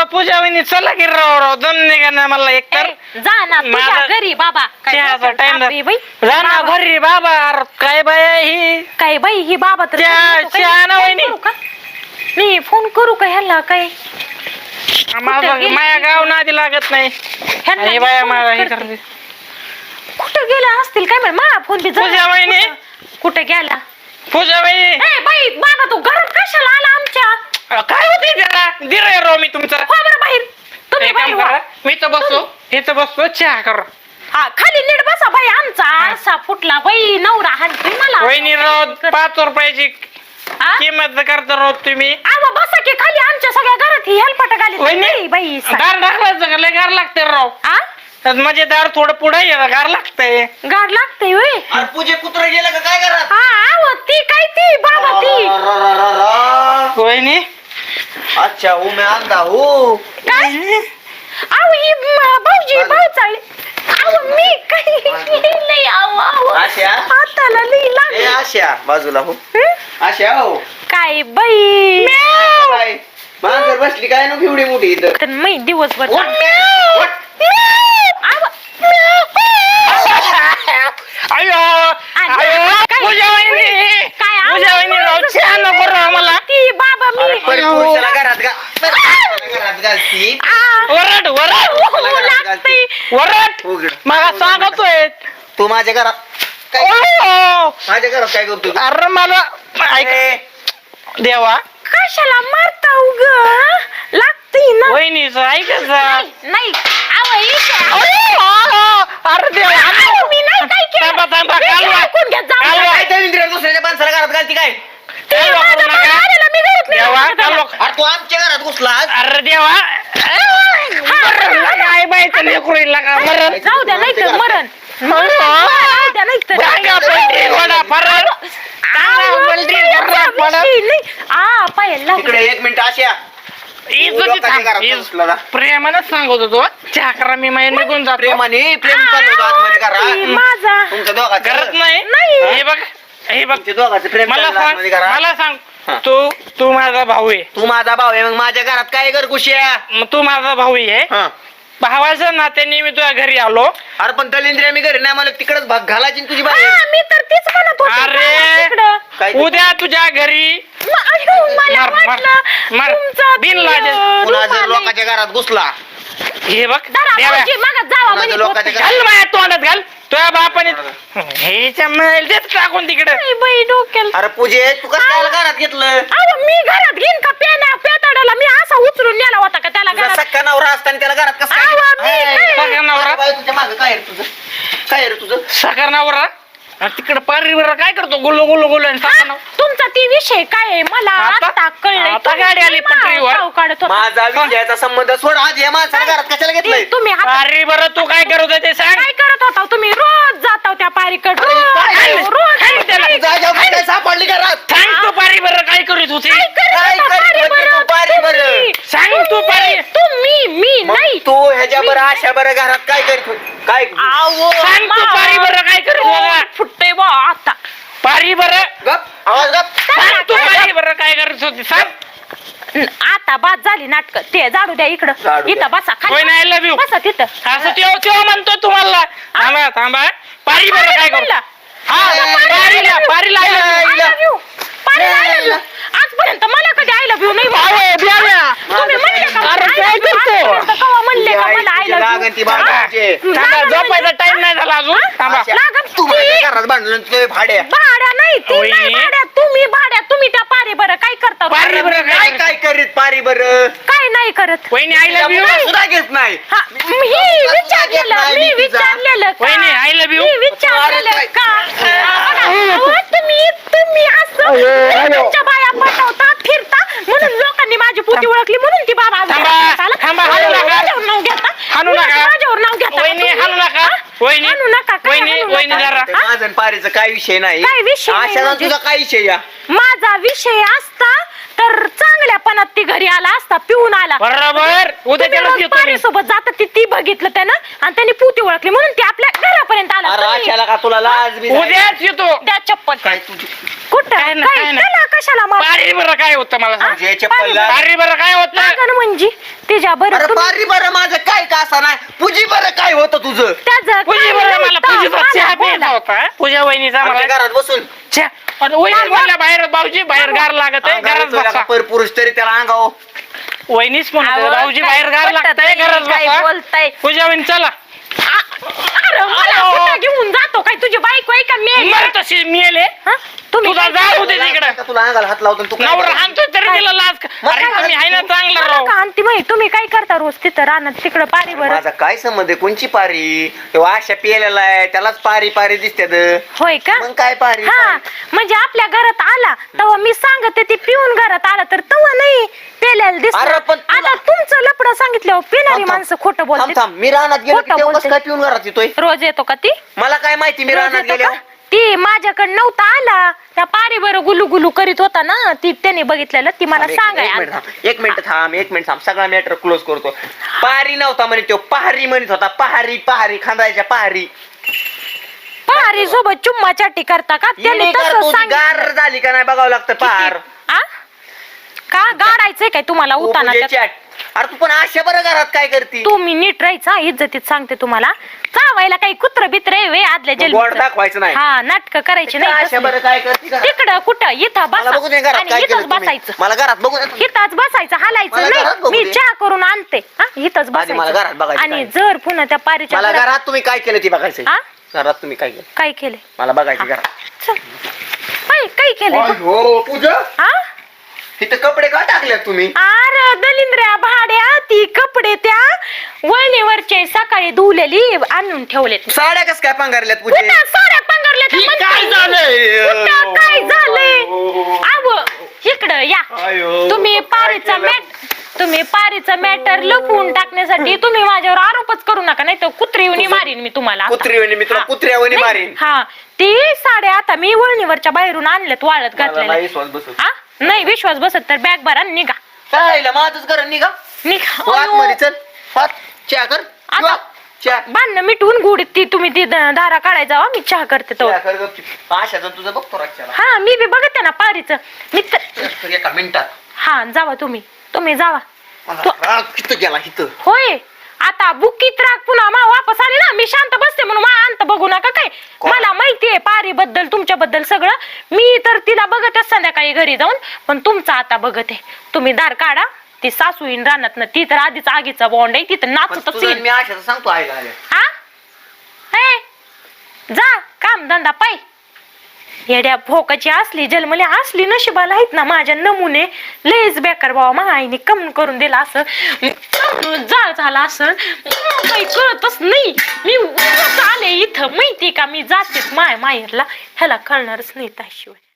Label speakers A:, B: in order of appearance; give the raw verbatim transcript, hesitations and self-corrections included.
A: पूजा वहिनी चला की राव राव दम निघा ना मला एक तर
B: जा ना तुझ्या घरी बाबा.
A: चहाचा टाइम जा ना घरी बाबा. अरे काय बाय ही
B: काय बाई ही बाबा तर
A: चहा ना वहिनी.
B: मी फोन करू का ह्याला काय
A: माझं माया गाव नादी लागत नाही. हे बाया मला हे करते.
B: कुठे गेला असतील काय माहिती. मा फोन बी
A: पूजा वहिनी
B: कुठे गेला.
A: पूजा वहिनी
B: ए बाई बाबा तू घरात कशाला आला आमच्या.
A: काय होते त्याला दिलंय राव मी तुमचा.
B: हो बरं बाहेर तुम्ही बाहेर वा.
A: मी तर बसतो इथं बसतो चहा कर.
B: हा खाली नीट बसा बाई. आमचा आरसा फुटला बाई. नवरा हाणतोय मला.
A: वहिनी राव पाच रुपयाची किंमत करता राव तुम्ही.
B: आवा बसा की खाली. आमच्या सगळ्या घरात ही हेलपाट घाली बाई.
A: दार ढकलायचं का लय गार लागते राव. म्हणजे दार थोडं पुढे गार लागतंय.
B: गार लागतंय होय.
C: अरे पूजे कुत्र गेलं का काय करा.
B: हा आव ती काय ती बाबा ती.
A: वहिनी
C: अच्छा हूँ मैं आंधा हूँ.
B: काय आव ही भाऊजी भाऊ चालले. आव मी काही नाही. आव आव
C: आशा
B: हाताला लई
C: ए
B: लागली.
C: आशा बाजूला हो. आशा हो
B: काय बाई
C: काय मांजर बसली काय नको एवढी मोठी इथं.
B: तर मी दिवसभर
C: उठ, उठ.
B: आव
A: अयो अयो पूजा वहिनी
B: काय
A: पूजा वहिनी राव चहा नको राव मला.
B: ती बाबा
C: अरे
B: मी
C: पण पुरुषाला घरात गा घरात घालती.
A: वरड वरड
B: लागतंय.
A: वरड
C: उघड.
A: मला सांगतोय
C: तू माझ्या घरात काय
A: अयो.
C: माझ्या घरात काय करतो तू?
A: अरे मला ऐक देवा
B: कशाला मारता उग लागतंय ना.
A: वहिनीच ऐकायचं
B: नाही आव इथे.
A: अरे देवा
B: आव, मी नाही काय केलं.
A: थांबा थांबा
B: मी
A: कालवा
B: ऐकून घ्या, जाऊ
A: कालवा.
B: द्या.
C: काय त्या इंद्रिया दुसऱ्याच्या माणसाला घरात घालती काय.
B: ती
A: कालवा
B: माझा
A: करू
B: भाऊ
A: नका.
B: आलेला, मी घरात नाही
A: देवा
B: राहत
A: कालवा.
B: त्याला.
C: अरे तू आमच्या घरात घुसला आज.
A: अरे देवा मरण काय बायचं लेकरू लागा मरण.
B: जाऊ द्या नाही तर मरण. मरण. जाऊ द्या नाही तर.
A: टांगा पलटी वडा फरळ. टांगा पलटी वडा फरळ.
B: नाही. आ पायाला लागलं.
C: इकडे एक मिनिट आशा लोकांच्या घरात घुसला ना.
A: प्रेमानच सांगत होतो चहा करा मी माय निघून जातो.
C: प्रेमाने प्रेम चालू होतं आतमध्ये
B: ती
C: घरात.
B: माझा
C: तुमच्या दोघांचं
A: करत नाही
B: नाही.
A: हे बघ हे बघ
C: तुमच्या दोघांचं प्रेम
A: मला
C: चाललं
A: सांग
C: आतमध्ये घरात.
A: मला सांग तू तू माझा भाऊ आहे.
C: तू माझा भाऊ आहे मग माझ्या घरात काय कर कुशिया.
A: मग तू माझा भाऊ आहे.
C: हा.
A: भावाच्या नात्याने मी तुझ्या घरी आलो.
C: अरे पण दलिंद्रिया मी घरी नाही मला तिकडच भाग घालायची ना तुझी बाई.
B: हा, मी तर तीच म्हणत होते.
A: अरे
B: तिकडं.
C: काय ते?
A: उद्या तुझ्या घरी
B: म- अयो, मला
A: मार, मार,
B: वाटलं
A: मार.
B: तुमचा
A: बिन
B: ती,
A: लाजेल.
B: अं,
C: पुन्हा जर
B: रुपाली.
C: लोकांच्या घरात घुसला
A: हे बघ
B: जरा
A: देवा.
B: भाऊजी, मागं जावा
C: माझ्या
B: म्हणे
C: लोकांच्या
B: होते.
A: घाल माझ्या तोंडात घाल तुझ्या बापाने हेच्या मेल देत टाकून तिकडे.
B: नाही बाई डोक्याला.
C: अरे पूजे तू कसं काय घरात घेतलं.
B: अहो, मी घरात घेईन का पेना पेताडाला मी असा उचलून नेला होता का त्याला
C: तुझा
B: घरात.
C: सक्का नवरा असताना त्याला घरात कसं काय
B: अहो,
C: घेतलं?
B: मी
C: हाय,
B: काय-
A: सगळ्या नवरा
C: बाई, तुझ्या मागं काय आहे रे तुझं काय आहे रे तुझं.
A: साखर नवरा तिकडे पारीवर काय करतो गुल्लो गुल्लो गुल्लो आणि साखर नवरा.
B: तुमचा ती विषय काय आहे मला
A: आता-
B: आता कळलंय.
A: आता
B: तुम्ही
A: गाडी आली
B: मा-
A: पटरीवर.
B: नाव काढत होता.
C: माझा विजयाचा संबंध सोड. आज या माणसाला घरात कशाला घेतलंय.
B: ती- तुम्ही हात-
A: पारी बरं तू काय करत होते ते सांग.
B: काय करत होता तुम्ही. रोज जाता त्या पारीकड रोज
C: काय?
B: रोज
A: काय त्याला?
B: काय
C: तुझा जाऊ काय सापडली घरात.
A: सांग तू पारी बरं काय करत होती.
B: करत
C: काय
B: होता
C: करत
B: पारी
C: होती
B: बरं?
C: तू पारी बरं?
B: तुम्ही-
A: सांग तू पारी.
B: तुम्ही मी
C: मग
B: नाही.
C: तू ह्याच्या बरं अशा बरं घरात काय करीत होती? काय
B: आवो,
A: सांग तू
B: मा-
A: पारी बरं काय करत होता.
B: फुटते बा आता.
A: पारी बरं
C: गप आवाज गप.
A: सांग तू पारी बरं काय करत होती सांग.
B: आता बाद झाली नाटक. ते झाडू द्या इकडं.
C: झाडू द्या.
B: इथं बसा
A: होय ना, I love you.
B: बसा तिथं.
A: असं तेव्हा तेव्हा म्हणतो तुम्हाला थांबा थांबा पारी बरं काय करू.
B: म्हणला.
A: हा पारीला पारीला I love you.
B: I love you. पारीला I love you. आजपर्यंत मला कधी आय लव्ह यू नाही
A: अहो,
B: म्हणलं.
A: बियाण्या.
B: तुम्ही म्हणले का
A: अरे,
B: I
A: काय
B: love you?
A: करतो?
B: आजपर्यंत केव्हा म्हणले का मला आय लव्ह
C: लागन ती
B: यू.
C: भांडायची.
A: थांबा झोपायचा टाइम नाही झाला अजून थांबा.
C: अशा-
B: लागन
C: तू माझ्या
B: ती-
C: घरात भांडलं तुझे भाड्या.
B: भाड्या नाही ती
A: होय.
B: नाही भाड्या तुम्ही भाड्या तुम्ही त्या पारे बरं काय करता
A: पारी बरं
C: काय
A: काय
C: काय करीत पारी बरं.
B: काय नाही करत.
A: वहिनी आय लव्ह यू.
C: मुलं सुद्धा घेत नाही.
B: हा, मी विचारलेलं मी विचारलेलं का?
A: वहिनी आय लव्ह यू.
B: मी विचारलेलं
C: अरे,
B: का? अहो, तुम्ही तुम्ही असं तुमच्या बाया पटवता फिरता म्हणून लोकांनी माझी पोती ओळखली म्हणून ती बाबा आज
A: थांबा,
B: घरात आला.
A: थांबा,
B: आणि
A: हाणू नका.
B: माझ्यावर नाव घेता
A: हाणू नका.
B: माझ्यावर नाव घेता
A: वहिनी
B: तुम्ही.
A: हाणू नका.
B: हा?
A: वहिनी
B: हाणू नका काय
A: वहिनी
B: हाणू
A: वहिनी
B: नका?
A: जरा
C: ते माझं आणि पारीचं काय विषय नाही.
B: काय विषय नाही
C: अशाला
B: म्हणजे?
C: तुझा काय विषय या.
B: माझा विषय असता तर चांगल्यापणात ती घरी आला असता पिऊन आला.
A: बरोबर उद्या
B: तुम्ही
A: त्याला
B: रोज
A: येतो मी.
B: पारीसोबत जाता ती ती बघितलं त्यानं आणि त्यांनी पुती ओळखली म्हणून ती आपल्या घरापर्यंत आला
C: अरे
B: तुम्ही-
C: अशाला का तुला लाज बी नाही?
A: उद्याच येतो
B: द्या चप्पल
C: काय तुझी
B: कुठं
A: काय नाही,
B: काय
A: काय नाही.
B: त्याला कशाला मार
A: पारी बरं काय होतं मला सांग.
C: जे चप्पल लाज-
A: पारी बरं काय होतं
B: लागन म्हणजे तिच्या
C: अरे
B: बरं तुम्ही
C: पारी बरं माझं काय का असं नाही पूजी बरं काय होतं तुझं
B: त्याचं
A: पूजा
B: काय
A: बरं मला
B: नव्हतं,
A: पूजेचा
B: मला
A: चहा प्यायचा
B: बोला.
A: होता पूजा वहिनीचा
C: आमच्या
A: मला
C: घरात बसून
A: चहा आणि वहिनी म्हणल्या बाहेर भाऊजी बाहेर गार लागत आहे घरात बसा
C: परपुरुष तरी त्याला अंगाव
A: वहिनीच म्हणते
B: अहो,
A: भाऊजी
B: काय
A: बाहेर गार
B: पटत
A: लागतंय
B: नाही,
A: घरात
B: काय
A: बसा
B: बोलताय
A: पूजा वहिनी चला
B: अरे मला
A: अहो.
B: कुठं घेऊन जातो काय तुझी बायको आहे का मी
A: मर तशी मिळेले
B: तुम्ही
A: तुला
B: काय
A: जाऊ दे तिकडं
C: का तुला अंगाला हात लावतो आणि तू काय
A: नवरा
C: करतो?
A: हाणतोय तरी तिला लाज का-
C: मग
A: अरे
C: काय
A: तुम्ही आहे ना चांगला
B: मला
A: राव
B: का आणती माहिती तुम्ही काय करता रोज तिथं रानात तिकडं पारी बरं
C: माझा काय संबंध आहे कोणची पारी तो आशा पिलेला आहे त्यालाच पारी पारी दिसत्यात
B: होय का
C: मग काय पारी
B: हा म्हणजे आपल्या घरात आला तेव्हा मी सांगते ती पिऊन घरात आला तर तेव्हा नाही पेल्याला दिसत
C: अरे पण तुला-
B: आता तुमचं लपडं सांगितल्यावर पिणारी माणसं खोटं
C: थांब
B: बोलते
C: थांब मी रानात गेलो की
B: खोटं
C: तेव्हा कसं
B: बोलते.
C: काय पिऊन घरात येतोय
B: रोज येतो का ती
C: मला काय माहिती मी
B: रोज
C: रानात
B: येतो
C: गेलो
B: का? ती माझ्याकडे नव्हता आला त्या पारी बरं गुलू गुलू करीत होता ना ती त्याने बघितलेलं ती मला
C: थांब, एक-
B: सांगाय
C: एक मिनिट थांब, एक मिनिट थांब एक मिनिट थांब सगळा मॅटर क्लोज करतो पारी नव्हता म्हणे तो पहारी म्हणत होता पहारी पहारी खांदायच्या पहारी
B: पारी सोबत चुम्मा चाटी करता का त्याने
C: हिने
B: तसं
C: करतो, ती गार
B: सांगितलं
C: झाली का नाही बघावं लागतं पहार
B: आ? का गाडायचंय काय तुम्हाला
C: तू
B: उताना
C: पूजेची आठ. अरे तू पण अशा बरं घरात काय करती
B: तुम्ही नीट राहायचा इज्जतीत सांगते तुम्हाला चावायला काही कुत्र बित्र आहे वे आदल्या
C: मग गोड
B: जन्म
C: दाखवायचं नाही
B: हा नाटक करायची नाही
C: अशा
B: तसली.
C: बरं काय करती घरात?
B: तिकडं कुठं इथं
C: मला बघू दे
B: बसा
C: घरात
B: आणि
C: काय
B: इथंच
C: केलं तुम्ही.
B: बसायचं
C: मला घरात बघू दे तुम्ही.
B: इथंच बसायचं
C: मला
B: हालायचं
C: घरात
B: नाही
C: बघू
B: मी
C: दे.
B: चहा करून आणते हा इथंच
C: आधी मला घरात
B: बसायचं
C: बघायचं
B: आणि
C: काय.
B: जर पुन्हा त्या पारीच्या
C: मला
B: घरात-
C: घरात तुम्ही काय केलं ती बघायचं
B: आ?
C: घरात तुम्ही काय केलं
B: काय केले
C: मला बघायचं घरात
B: चल काय काय केलंय
C: हो पूजा
B: हा
C: तिथे कपडे का टाकले तुम्ही
B: अरे दलिंद्र्या भाड्या ती कपडे त्या वळणीवरचे सकाळी धुवलेली आणून ठेवले
C: साड्या कस काय पांघरल्यात पूजे
B: कुठं साड्या पांघरल्या त्या
C: ही
B: म्हणते
C: काय
B: मी.
C: झालंय?
B: कुठं काय झालंय आव इकडं या
C: आयो,
B: तुम्ही
C: काय
B: पारीचा
C: केलं?
B: मॅट तुम्ही पारीचा मॅटर लपवून टाकण्यासाठी तुम्ही माझ्यावर आरोपच करू नका नाही तर कुत्रीवणी मारीन मी तुम्हाला आता.
C: कुत्रीवणी मी तुला
B: हा.
C: कुत्र्यावणी
B: नाही,
C: मारीन
B: हा ती साड्या आता मी वळणीवरच्या बाहेरून आणल्यात वाळत
C: मला
B: घातलेल्या
C: नाही विश्वास बसत
B: हा नाही विश्वास बसत तर बॅग भरा आणि निघा
C: चालेल माझच घर निघा तू
B: निघा
C: आतमध्ये चल हात चहा कर
B: आता-
C: किंवा चहा
B: भांडणं मिटवून गुढीत ती तुम्ही ती द- दारा काढायचा जावा मी चहा करते तो
C: चहा कर गपचूप. आशाचं तुझं बघतो रातच्याला
B: हा मी बी बघते ना पारीचं मी तर-
C: तर एका मिनिटात
B: हा जावा तुम्ही तुम्ही जावा
C: मला
B: तो-
C: राग किती गेला इथं
B: होय आता बुकीत राग पुन्हा मा वापस आले ना मी शांत बसते म्हणून मा अंत बघू नका काय
C: कोण?
B: मला माहितीये पारी बद्दल तुमच्याबद्दल सगळं मी तर तिला बघतच संध्याकाळी घरी जाऊन पण तुमचं आता बघत आहे तुम्ही दार काढा ती सासू येईन रानात ना ती तर आधीच आगीचा बॉन्ड आहे ती तर
C: पण
B: नाचतच
C: तुझं
B: येईल
C: मी आशाचं सांगतो आईला आल्या
B: हा हे जा काम धंदा पाय येड्या भोकाची असली जन्मले असली नशिबाला आहेत ना माझ्या नमुने लयच बेकार बाबा मा आईने कम करून दिला असं जाळ झाला असं काही कळतच नाही मी उगाच आले इथं माहिती का मी जातेच माय माहेरला ह्याला कळणारच नाही त्याशिवाय